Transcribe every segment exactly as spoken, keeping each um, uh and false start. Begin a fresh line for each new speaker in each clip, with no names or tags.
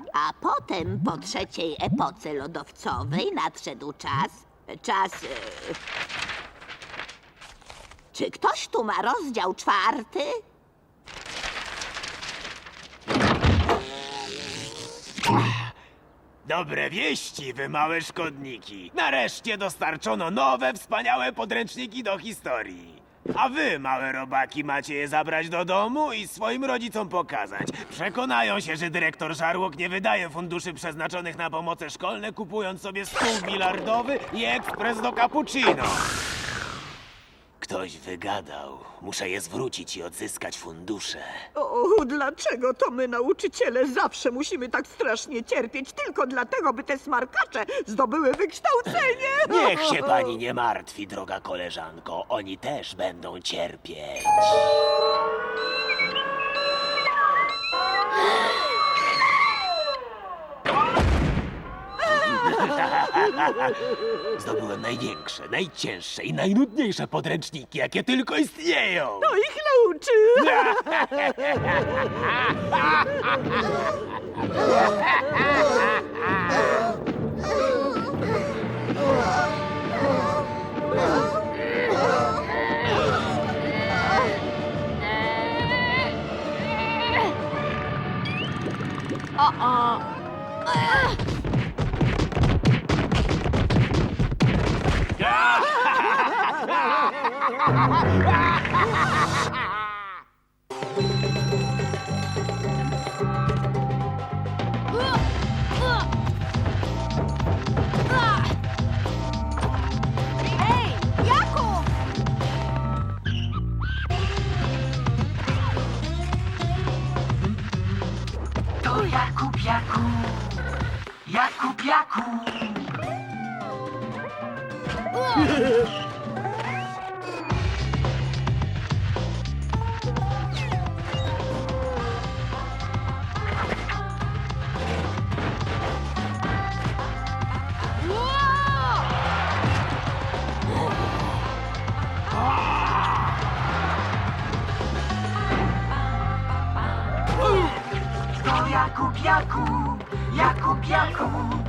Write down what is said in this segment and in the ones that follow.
A potem po trzeciej epoce lodowcowej nadszedł czas... Czas... e, Czy ktoś tu ma rozdział czwarty?
Dobre wieści, wy małe szkodniki. Nareszcie dostarczono nowe, wspaniałe podręczniki do historii. A wy, małe robaki, macie je zabrać do domu i swoim rodzicom pokazać. Przekonają się, że dyrektor Żarłok nie wydaje funduszy przeznaczonych na pomoce szkolne, kupując sobie stół bilardowy i ekspres do cappuccino. Ktoś wygadał. Muszę je zwrócić i odzyskać fundusze.
O, dlaczego to my, nauczyciele, zawsze musimy tak strasznie cierpieć tylko dlatego, by te smarkacze zdobyły wykształcenie?
Niech się pani nie martwi, droga koleżanko. Oni też będą cierpieć. Zdobyłem największe, najcięższe i najnudniejsze podręczniki, jakie tylko istnieją.
To ich nauczy!
Ej, Jakub!
To Jakub, Jakub, Jakub, Jakub. To Jakub, Jakub, Jakub, Jakub.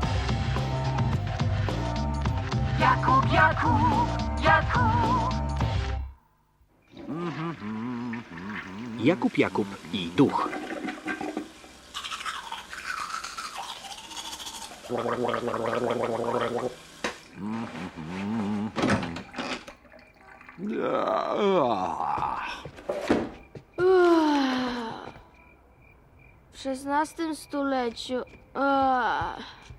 Jakub, Jakub, Jakub.
Jakub Jakub i duch.
W szesnastym stuleciu... O,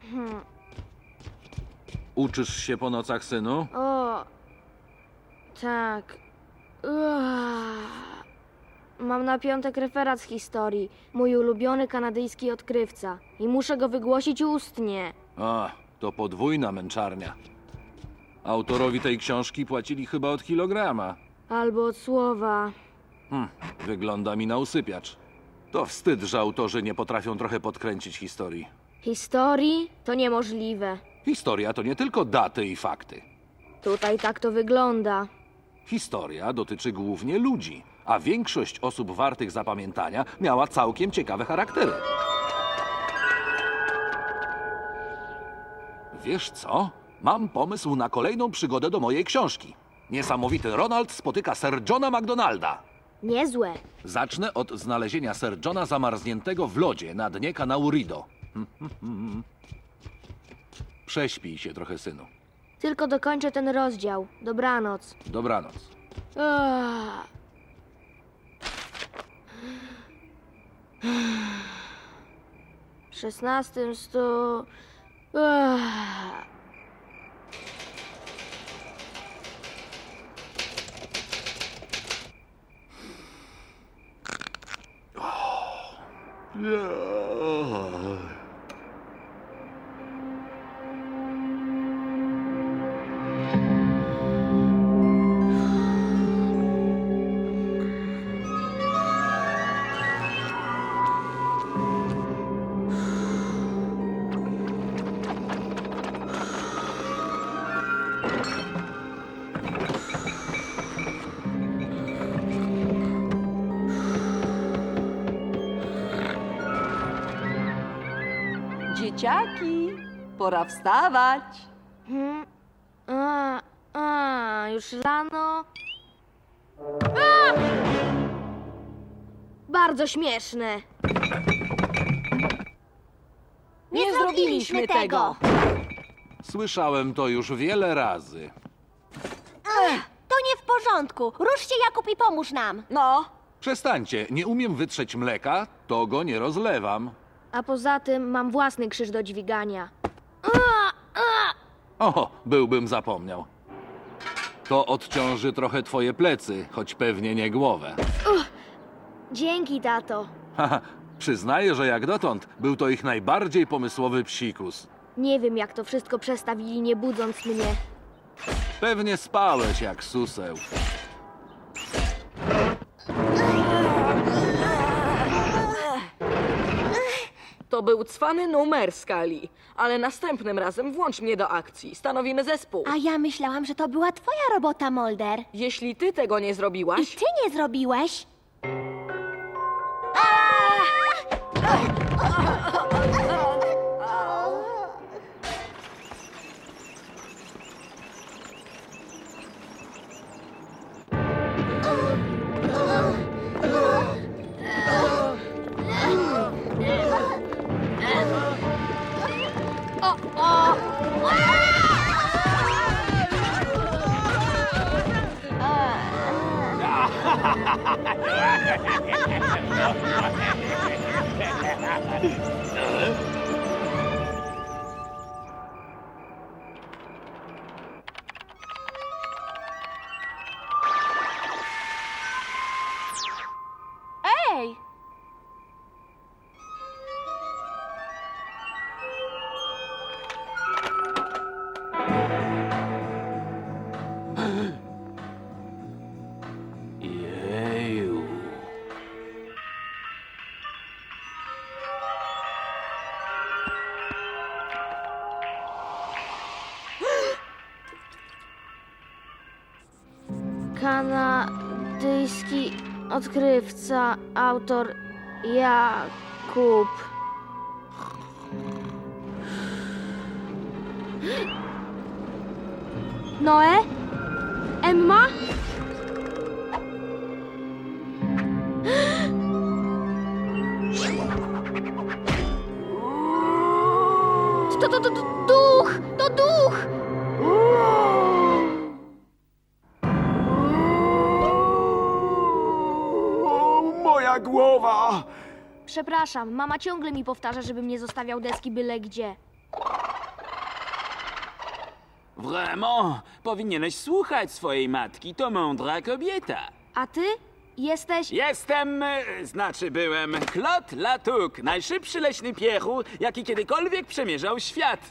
Uczysz się po nocach, synu?
o tak. Uah. Mam na piątek referat z historii. Mój ulubiony kanadyjski odkrywca. I muszę go wygłosić ustnie.
A, to podwójna męczarnia. Autorowi tej książki płacili chyba od kilograma.
Albo od słowa.
Hm, wygląda mi na usypiacz. To wstyd, że autorzy nie potrafią trochę podkręcić historii.
Historii? To niemożliwe.
Historia to nie tylko daty i fakty.
Tutaj tak to wygląda.
Historia dotyczy głównie ludzi, a większość osób wartych zapamiętania miała całkiem ciekawe charaktery. Wiesz co? Mam pomysł na kolejną przygodę do mojej książki. Niesamowity Ronald spotyka Sir Johna MacDonalda.
Niezłe.
Zacznę od znalezienia Sir Johna zamarzniętego w lodzie na dnie kanału Rideau. Prześpij się trochę, synu.
Tylko dokończę ten rozdział. Dobranoc.
Dobranoc.
Uah. W szesnastym stu... Uah.
Dzieciaki, pora wstawać.
Hmm? A, a, już rano. A! Bardzo śmieszne.
Nie, zrobiliśmy tego.
Słyszałem to już wiele razy.
To nie w porządku. Rusz się, Jakub, i pomóż nam.
No,
Przestańcie, nie umiem wytrzeć mleka, to go nie rozlewam.
A poza tym mam własny krzyż do dźwigania.
O, byłbym zapomniał. To odciąży trochę twoje plecy, choć pewnie nie głowę.
Dzięki, tato.
Haha, przyznaję, że jak dotąd był to ich najbardziej pomysłowy psikus.
Nie wiem, jak to wszystko przestawili, nie budząc mnie.
Pewnie spałeś jak suseł.
to był cwany numer skali, ale następnym razem włącz mnie do akcji. Stanowimy zespół.
A ja myślałam, że to była twoja robota, Mulder.
Jeśli ty tego nie
I
zrobiłaś,
ty nie zrobiłeś.
Ej!
Jeju.
Kanadyjski odkrywca, autor Jakub. Noe? Emma? To, to, to, to duch! To duch!
Moja głowa!
Przepraszam, mama ciągle mi powtarza, żebym nie zostawiał deski byle gdzie.
Vraiment? Powinieneś słuchać swojej matki, to mądra kobieta.
A ty? Jesteś...
Jestem, e, znaczy byłem, Claude Latouk, najszybszy leśny piechu, jaki kiedykolwiek przemierzał świat.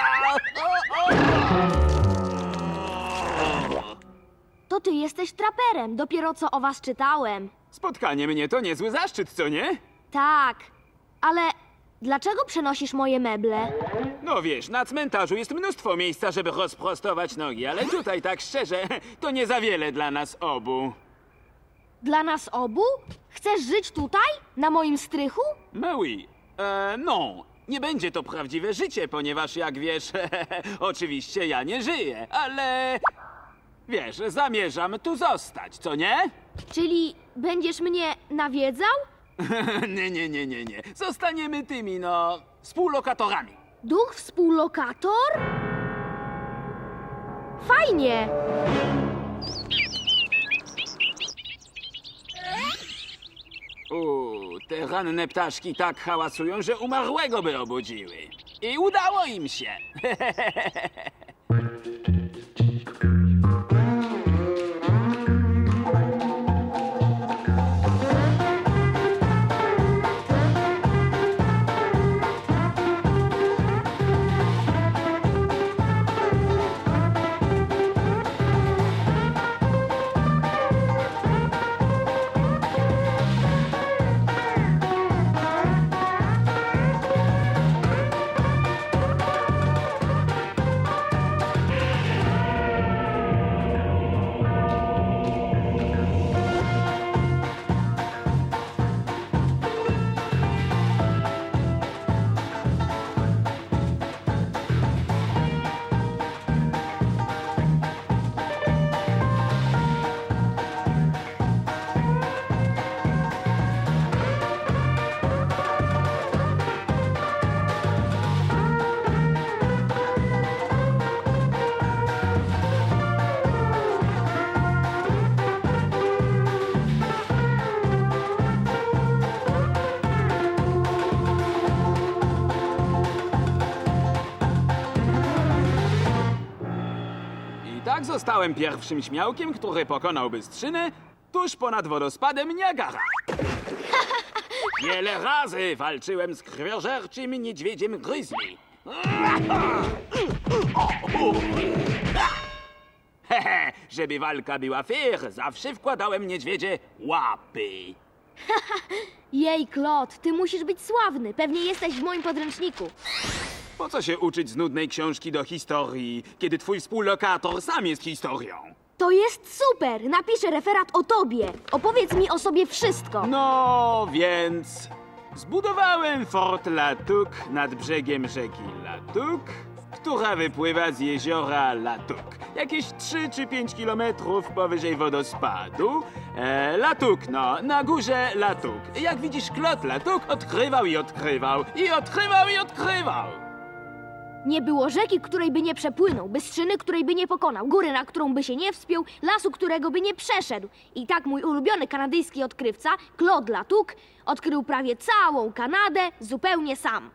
To ty jesteś traperem, dopiero co o was czytałem.
Spotkanie mnie to niezły zaszczyt, co nie?
Tak, ale dlaczego przenosisz moje meble?
No wiesz, na cmentarzu jest mnóstwo miejsca, żeby rozprostować nogi, ale tutaj, tak szczerze, to nie za wiele dla nas obu.
Dla nas obu? Chcesz żyć tutaj? Na moim strychu?
Mais oui. E, non, nie będzie to prawdziwe życie, ponieważ jak wiesz, oczywiście ja nie żyję, ale wiesz, zamierzam tu zostać, co nie?
Czyli będziesz mnie nawiedzał?
nie, nie, nie, nie, nie. Zostaniemy tymi, no, współlokatorami.
Duch współlokator? Fajnie!
Uuu, te ranne ptaszki tak hałasują, że umarłego by obudziły. I udało im się. Zostałem pierwszym śmiałkiem, który pokonał Bystrzynę tuż ponad wodospadem Niagara. Wiele razy walczyłem z krwiożerczym niedźwiedziem Grizzly. Hehe, żeby walka była fair, zawsze wkładałem niedźwiedzie łapy.
Jej, Claude, ty musisz być sławny. Pewnie jesteś w moim podręczniku.
Po co się uczyć z nudnej książki do historii, kiedy twój współlokator sam jest historią?
To jest super! Napiszę referat o tobie. Opowiedz mi o sobie wszystko.
No więc zbudowałem Fort Latuk nad brzegiem rzeki Latuk, która wypływa z jeziora Latuk. Jakieś trzy czy pięć kilometrów powyżej wodospadu. E, Latuk, no, na górze Latuk. Jak widzisz, Claude Latuk odkrywał i odkrywał, i odkrywał i odkrywał.
Nie było rzeki, której by nie przepłynął, bystrzyny, której by nie pokonał, góry, na którą by się nie wspiął, lasu, którego by nie przeszedł. I tak mój ulubiony kanadyjski odkrywca, Claude Latuc, odkrył prawie całą Kanadę zupełnie sam.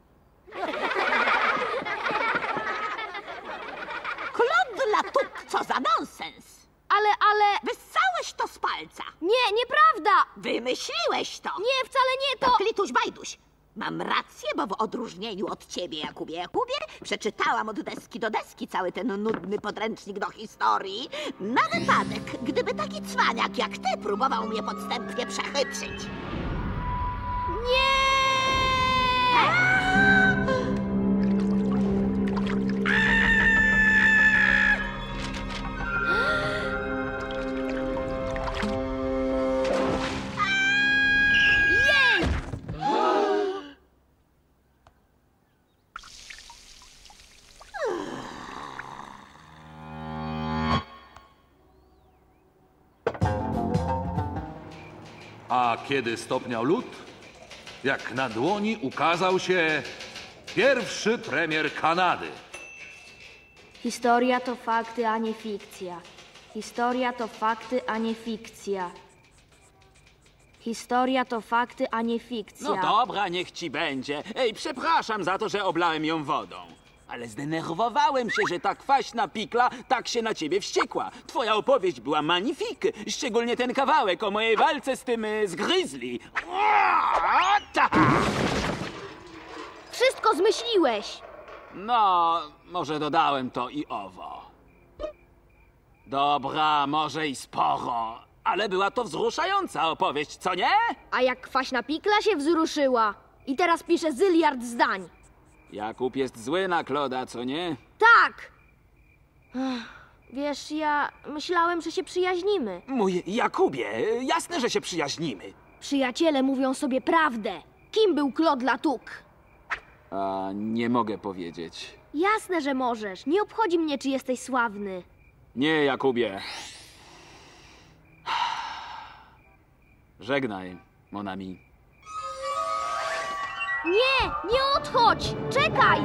Claude Latuc, co za nonsens!
Ale, ale...
Wyssałeś to z palca!
Nie, nieprawda!
Wymyśliłeś to!
Nie, wcale nie to!
Klituś Bajduś! Mam rację, bo w odróżnieniu od ciebie, Jakubie Jakubie, przeczytałam od deski do deski cały ten nudny podręcznik do historii. Na wypadek, gdyby taki cwaniak jak ty próbował mnie podstępnie przechytrzyć.
Nie!
A kiedy stopniał lód, jak na dłoni ukazał się pierwszy premier Kanady.
Historia to fakty, a nie fikcja. Historia to fakty, a nie fikcja. Historia to fakty, a nie fikcja.
No dobra, niech ci będzie. Ej, przepraszam za to, że oblałem ją wodą. Ale zdenerwowałem się, że ta kwaśna pikla tak się na ciebie wściekła. Twoja opowieść była magnifik, szczególnie ten kawałek o mojej walce z tym, y, z Grizzly. Ua, ta!
Wszystko zmyśliłeś!
No, może dodałem to i owo. Dobra, może i sporo, ale była to wzruszająca opowieść, co nie?
A jak kwaśna pikla się wzruszyła. I teraz pisze zyliard zdań.
Jakub jest zły na Kloda, co nie?
Tak! Ech, wiesz, ja myślałem, że się przyjaźnimy.
Mój Jakubie, jasne, że się przyjaźnimy.
Przyjaciele mówią sobie prawdę. Kim był Claude Latuc?
A nie mogę powiedzieć.
Jasne, że możesz. Nie obchodzi mnie, czy jesteś sławny.
Nie, Jakubie. Żegnaj, mon ami.
Nie, nie odchodź! Czekaj!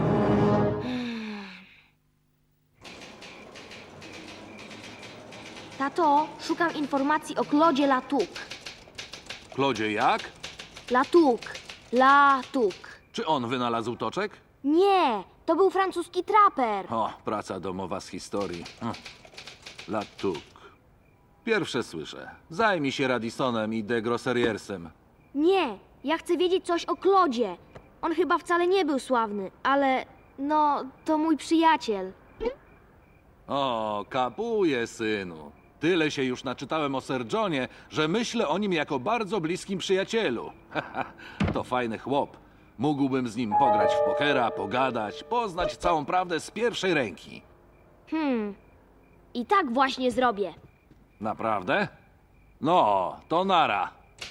Tato, szukam informacji o Claudzie Latuc.
Klodzie jak?
Latuc. Latuc.
Czy on wynalazł toczek?
Nie, to był francuski traper.
O, praca domowa z historii. Hm. Latuc. Pierwsze słyszę. Zajmij się Radisonem i de Grosseriersem.
Nie, ja chcę wiedzieć coś o Claudzie. On chyba wcale nie był sławny, ale no, to mój przyjaciel.
O, kapuję, synu. Tyle się już naczytałem o Sir Johnie, że myślę o nim jako bardzo bliskim przyjacielu. To fajny chłop. Mógłbym z nim pograć w pokera, pogadać, poznać całą prawdę z pierwszej ręki.
Hmm, i tak właśnie zrobię.
Naprawdę? No, to nara.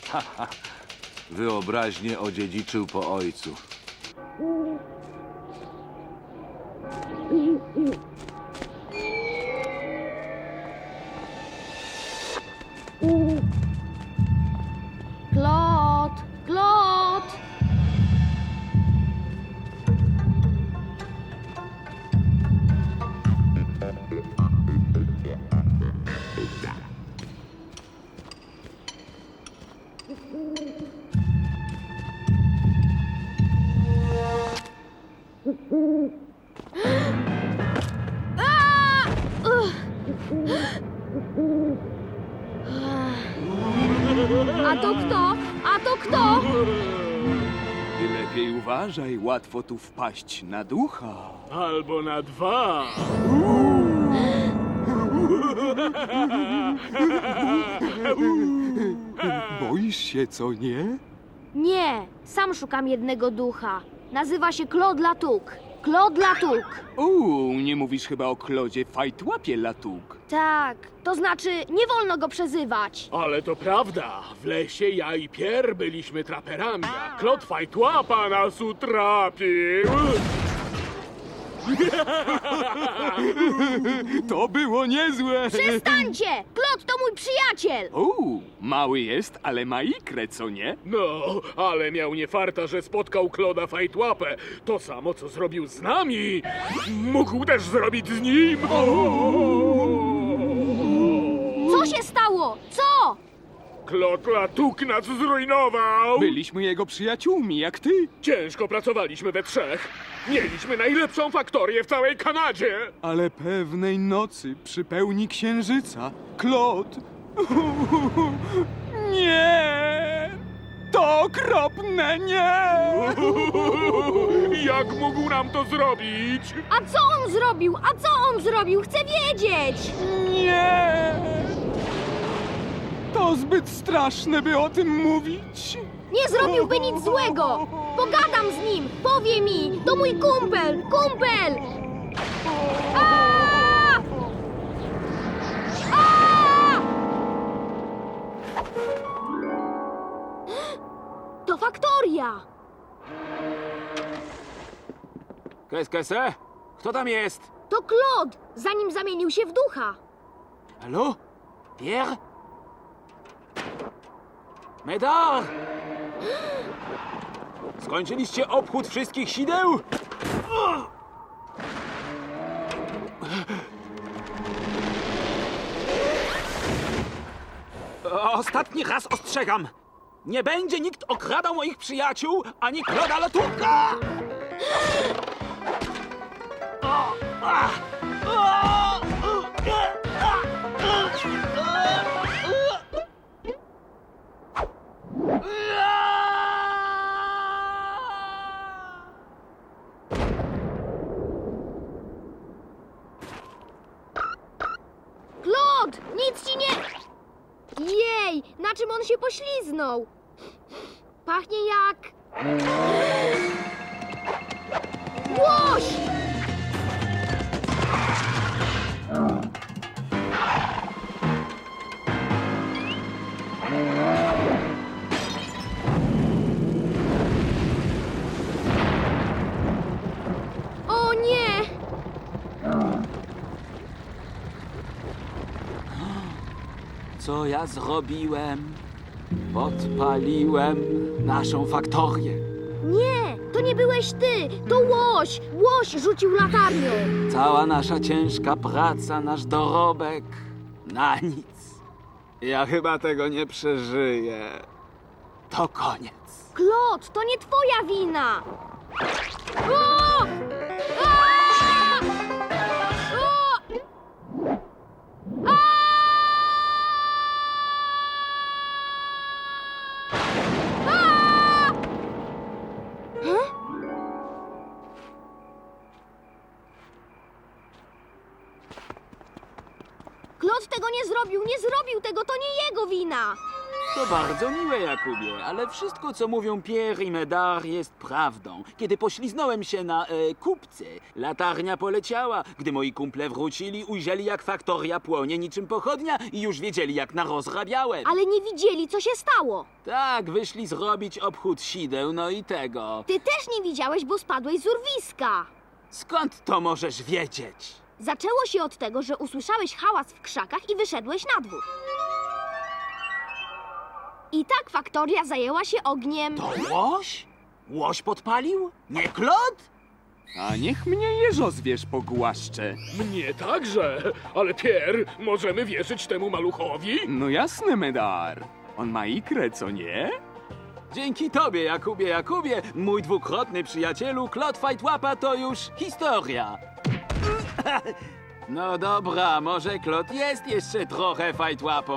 Wyobraźnie odziedziczył po ojcu.
Claude, Claude! A! Ugh! A to kto? A to kto?
Ty lepiej uważaj, łatwo tu wpaść na ducha.
Albo na dwa.
Boisz się, co nie?
Nie, sam szukam jednego ducha. Nazywa się Claude Latouk. Claude Latouk.
Uuu, nie mówisz chyba o Klodzie Fajtłapie Latouk.
Tak, to znaczy nie wolno go przezywać.
Ale to prawda. W lesie ja i Pier byliśmy traperami, a Klot Fajtłapa nas utrapił.
To było niezłe!
Przestańcie! Claude to mój przyjaciel!
Uuu, mały jest, ale ma ikrę, co nie?
No, ale miał nie farta, że spotkał Kloda Fajtłapę. To samo, co zrobił z nami, mógł też zrobić z nim.
Co się stało? Co?
Klot Latuk nas zrujnował.
Byliśmy jego przyjaciółmi, jak ty.
Ciężko pracowaliśmy we trzech. Mieliśmy najlepszą faktorię w całej Kanadzie.
Ale pewnej nocy przy pełni księżyca, Klot... Nie! To okropne, nie!
Jak mógł nam to zrobić?
A co on zrobił? A co on zrobił? Chcę wiedzieć!
Nie! To zbyt straszne, by o tym mówić.
Nie zrobiłby nic złego! Pogadam z nim! Powie mi! To mój kumpel! Kumpel! Aaaa! Aaaa! To faktoria!
Qu'est-ce que c'est? Kto tam jest?
To Claude, zanim zamienił się w ducha.
Halo? Pierre? Médard! Skończyliście obchód wszystkich sideł? Ostatni raz ostrzegam! Nie będzie nikt okradał moich przyjaciół, ani Claude'a Latouka!
Claude, nic ci nie... Jej, na czym on się pośliznął? Pachnie jak... Łoś! O nie!
Co ja zrobiłem? Podpaliłem naszą faktorię.
Nie, to nie byłeś ty, to łoś! Łoś rzucił latarnią.
Cała nasza ciężka praca, nasz dorobek na nic. Ja chyba tego nie przeżyję. To koniec.
Claude, to nie twoja wina! O! A! O! A! A! He? Claude tego nie zrobił, nie zrobił tego, to nie jego wina!
To bardzo miłe, Jakubie, ale wszystko, co mówią Pierre i Médard, jest prawdą. Kiedy pośliznąłem się na e, kupce, latarnia poleciała. Gdy moi kumple wrócili, ujrzeli, jak faktoria płonie niczym pochodnia i już wiedzieli, jak narozrabiałem.
Ale nie widzieli, co się stało.
Tak, wyszli zrobić obchód sideł, no i tego.
Ty też nie widziałeś, bo spadłeś z urwiska.
Skąd to możesz wiedzieć?
Zaczęło się od tego, że usłyszałeś hałas w krzakach i wyszedłeś na dwór. I tak faktoria zajęła się ogniem.
To łoś? Łoś podpalił? Nie Claude?
A niech mnie jeżozwierz pogłaszcze.
Mnie także, ale Pierre, możemy wierzyć temu maluchowi?
No jasne, Medar. On ma ikrę, co nie?
Dzięki tobie, Jakubie, Jakubie, mój dwukrotny przyjacielu, Claude Fajtłapa to już historia. No dobra, może Klot jest jeszcze trochę fajtłapą.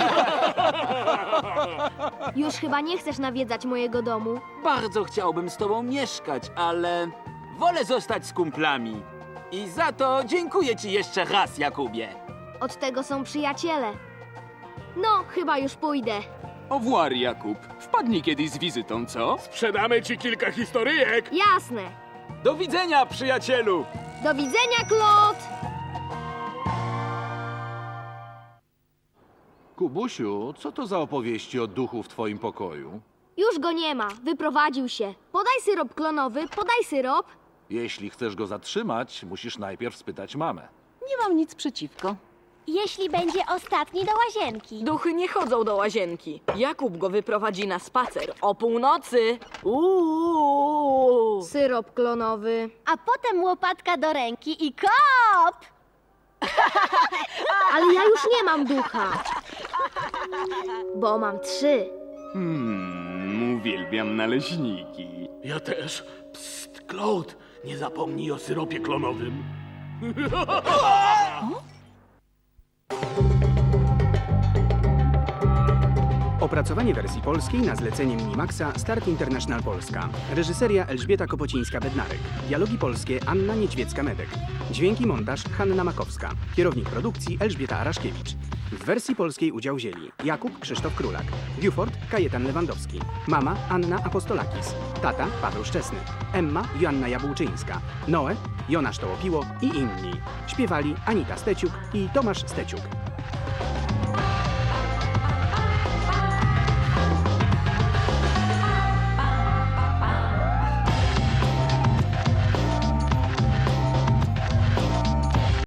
Już chyba nie chcesz nawiedzać mojego domu.
Bardzo chciałbym z tobą mieszkać, ale wolę zostać z kumplami. I za to dziękuję ci jeszcze raz, Jakubie.
Od tego są przyjaciele. No, chyba już pójdę.
Au revoir, Jakub. Wpadnij kiedyś z wizytą, co?
Sprzedamy ci kilka historyjek.
Jasne.
Do widzenia, przyjacielu!
Do widzenia, Klot!
Kubusiu, co to za opowieści o duchu w twoim pokoju?
Już go nie ma. Wyprowadził się. Podaj syrop klonowy, podaj syrop.
Jeśli chcesz go zatrzymać, musisz najpierw spytać mamę.
Nie mam nic przeciwko.
Jeśli będzie ostatni do łazienki.
Duchy nie chodzą do łazienki. Jakub go wyprowadzi na spacer o północy. Uuu.
Syrop klonowy.
A potem łopatka do ręki i kop!
Ale ja już nie mam ducha. Bo mam trzy.
Hmm, uwielbiam naleśniki.
Ja też. Psst, Claude, nie zapomnij o syropie klonowym.
Opracowanie wersji polskiej na zlecenie Minimaxa Start International Polska. Reżyseria Elżbieta Kopocińska-Bednarek. Dialogi polskie Anna Niedźwiecka-Medek. Dźwięki montaż Hanna Makowska. Kierownik produkcji Elżbieta Araszkiewicz. W wersji polskiej udział wzięli Jakub Krzysztof Królak, Buford Kajetan Lewandowski, mama Anna Apostolakis, tata Paweł Szczesny, Emma Joanna Jabłczyńska, Noe Jonasz Tołopiło i inni. Śpiewali Anita Steciuk i Tomasz Steciuk.